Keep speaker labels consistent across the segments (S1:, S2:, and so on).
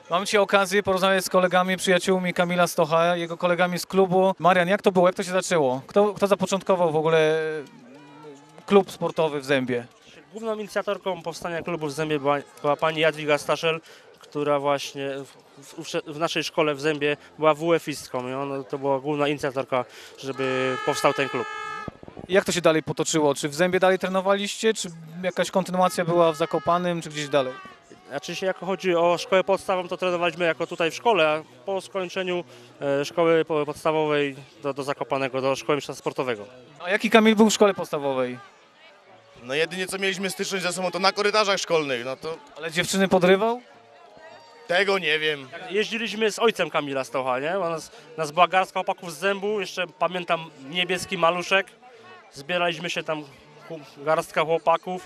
S1: Mam dzisiaj okazję porozmawiać z kolegami, przyjaciółmi Kamila Stocha, jego kolegami z klubu. Marian, jak to było? Jak to się zaczęło? Kto zapoczątkował w ogóle klub sportowy w Zębie?
S2: Główną inicjatorką powstania klubu w Zębie była pani Jadwiga Staszel, która właśnie w naszej szkole w Zębie była WF-istką i ona to była główna inicjatorka, żeby powstał ten klub.
S1: Jak to się dalej potoczyło? Czy w Zębie dalej trenowaliście? Czy jakaś kontynuacja była w Zakopanem, czy gdzieś dalej?
S2: Znaczy się, jak chodzi o szkołę podstawową, to trenowaliśmy jako tutaj w szkole, a po skończeniu szkoły podstawowej do Zakopanego, do szkoły mistrzostwa sportowego.
S1: A jaki Kamil był w szkole podstawowej?
S3: No jedynie co mieliśmy styczność ze sobą to na korytarzach szkolnych, no to
S1: Ale dziewczyny
S3: tego nie wiem.
S2: Jeździliśmy z ojcem Kamila Stocha, nie? Bo nas była garstka chłopaków z Zębu, jeszcze pamiętam niebieski maluszek. Zbieraliśmy się tam, garstka chłopaków.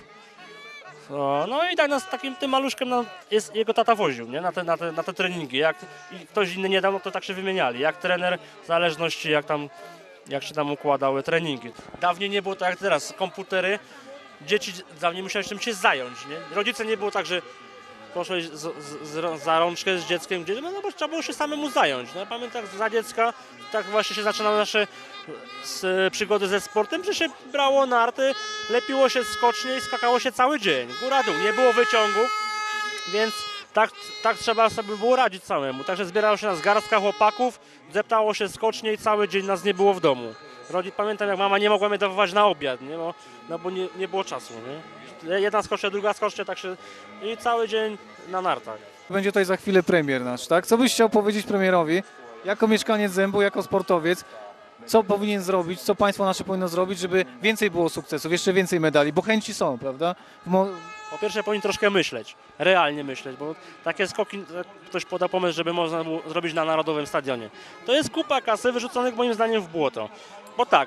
S2: No i tak nas takim tym maluszkiem jego tata woził, nie? Na te treningi. Jak i ktoś inny nie dał, no to tak się wymieniali. Jak trener, w zależności jak się tam układały treningi. Dawniej nie było tak jak teraz, komputery. Dzieci dawniej musiały czymś się zająć, nie? Rodzice nie było tak, że poszłeś za rączkę z dzieckiem gdzieś, no bo trzeba było się samemu zająć. No, ja pamiętam za dziecka, tak właśnie się zaczynały nasze przygody ze sportem, że się brało narty, lepiło się skocznie i skakało się cały dzień, góra-dół. Nie było wyciągów, więc tak trzeba sobie było radzić samemu. Także zbierało się nas garstka chłopaków, deptało się skocznie i cały dzień nas nie było w domu. Pamiętam, jak mama nie mogła mnie dawać na obiad, nie? Bo nie było czasu. Nie? Jedna skocznia, druga skocznia, tak się... I cały dzień na nartach.
S1: Będzie tutaj za chwilę premier nasz, tak? Co byś chciał powiedzieć premierowi, jako mieszkaniec Zębu, jako sportowiec, co powinien zrobić, co państwo nasze powinno zrobić, żeby więcej było sukcesów, jeszcze więcej medali, bo chęci są, prawda?
S2: Po pierwsze powinien troszkę myśleć, realnie myśleć, bo takie skoki, ktoś poda pomysł, żeby można było zrobić na Narodowym Stadionie. To jest kupa kasy wyrzuconych moim zdaniem w błoto. Bo tak,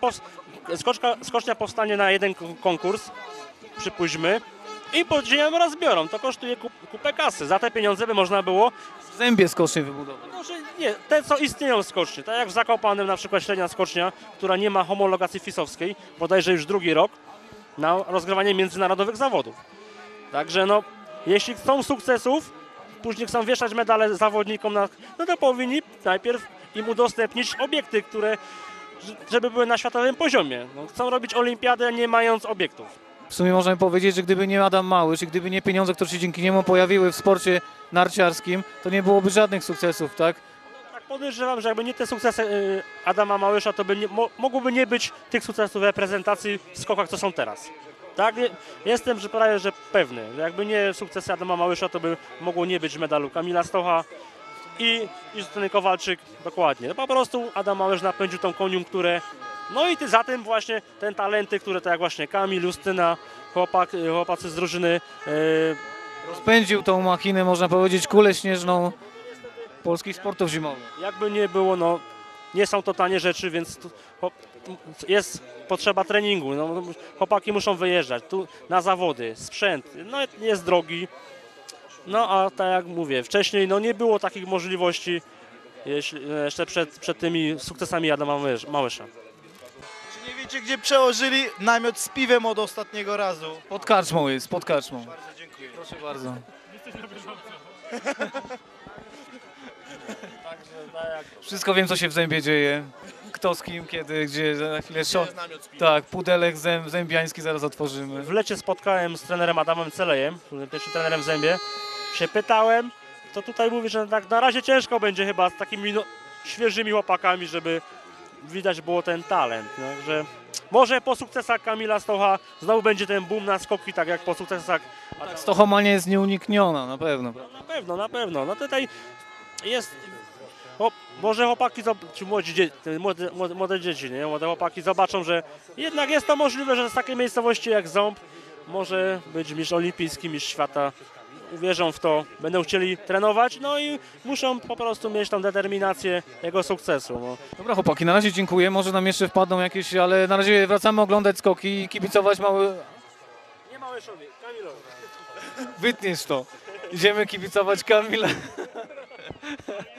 S2: skocznia powstanie na jeden konkurs, przypuśćmy, i podziemem rozbiorą. To kosztuje kupę kasy. Za te pieniądze by można było...
S1: W Zębie skocznie wybudować.
S2: Może nie, te co istnieją skocznie, tak jak w Zakopanem na przykład średnia skocznia, która nie ma homologacji FIS-owskiej, bodajże już drugi rok, na rozgrywanie międzynarodowych zawodów. Także no, jeśli chcą sukcesów, później chcą wieszać medale zawodnikom, no to powinni najpierw im udostępnić obiekty, żeby były na światowym poziomie. No, chcą robić olimpiadę, nie mając obiektów.
S1: W sumie możemy powiedzieć, że gdyby nie Adam Małysz i gdyby nie pieniądze, które się dzięki niemu pojawiły w sporcie narciarskim, to nie byłoby żadnych sukcesów, tak?
S2: Tak podejrzewam, że jakby nie te sukcesy Adama Małysza, to mogłoby nie być tych sukcesów reprezentacji w skokach, co są teraz. Tak? Jestem prawie że pewny, że jakby nie sukcesy Adama Małysza, to by mogło nie być medalu Kamila Stocha i Justyny Kowalczyk, dokładnie. No po prostu Adam Małysz napędził tą koniunkturę. No i za tym właśnie te talenty, które tak jak właśnie Kamil, Justyna, chłopacy z drużyny.
S1: Rozpędził tą machinę, można powiedzieć, kulę śnieżną polskich sportów zimowych.
S2: Jakby nie było, no nie są to tanie rzeczy, więc jest potrzeba treningu. No, chłopaki muszą wyjeżdżać tu na zawody, sprzęt, no jest drogi. No a tak jak mówię, wcześniej no nie było takich możliwości jeszcze przed tymi sukcesami Adama Małysza.
S4: Czy nie wiecie, gdzie przełożyli namiot z piwem od ostatniego razu?
S1: Pod karczmą jest, pod karczmą.
S4: Bardzo dziękuję.
S1: Proszę bardzo. Wszystko wiem, co się w Zębie dzieje. Kto z kim, kiedy, gdzie, za chwilę tak, pudelek zębiański zaraz otworzymy.
S2: W lecie spotkałem z trenerem Adamem Celejem, pierwszym trenerem w Zębie. Się pytałem, to tutaj mówi, że tak na razie ciężko będzie chyba z takimi świeżymi chłopakami, żeby widać było ten talent. No, że może po sukcesach Kamila Stocha znowu będzie ten boom na skoki, tak jak po sukcesach...
S1: Stochomania jest nieunikniona, na pewno.
S2: Na pewno. No tutaj jest... Może chłopaki, czy młode dzieci, nie? Młode chłopaki zobaczą, że jednak jest to możliwe, że z takiej miejscowości jak Ząb może być mistrz olimpijski, mistrz świata. Uwierzą w to, będą chcieli trenować, no i muszą po prostu mieć tą determinację jego sukcesu. No.
S1: Dobra chłopaki, na razie dziękuję, może nam jeszcze wpadną jakieś, ale na razie wracamy oglądać skoki i kibicować
S2: Nie Małyszowi, Kamilowi.
S1: Wytniesz to. Idziemy kibicować Kamila.